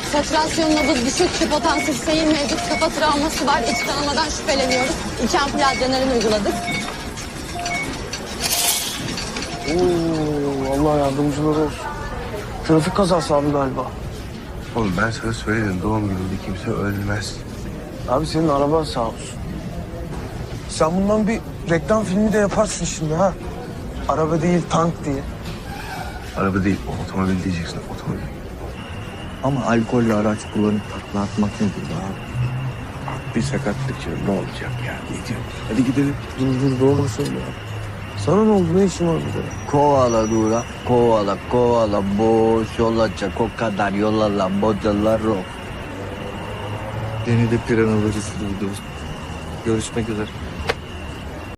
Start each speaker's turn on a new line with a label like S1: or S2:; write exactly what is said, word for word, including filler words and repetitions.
S1: Satürasyon nabız düşük, hipotansif seyir mevcut, kafa travması var, iç kanamadan şüpheleniyoruz. İki ampul adrenalin uyguladık.
S2: Oo, Allah yardımcıları olsun. Trafik kazası abi galiba.
S3: Oğlum ben sana söyledim, doğum gününde kimse ölmez.
S2: Abi senin araba sağ olsun. Sen bundan bir reklam filmi de yaparsın şimdi ha. Araba değil tank diye.
S3: Araba değil, otomobil diyeceksin, otomobil.
S4: Ama alkollü araç kullanıp takla atmak nedir be abi?
S3: Bir sakatlık canım, ne olacak ya? Ne diyorsun?
S2: Hadi gidelim. Dur dur doğru söyle ya. Sana ne oldu, ne işin var burada?
S4: Kovala dura, kovala kovala boş olacak o kadar yol alan bocalar o. Yeni de piranaları sürdürüyoruz. Görüşmek üzere.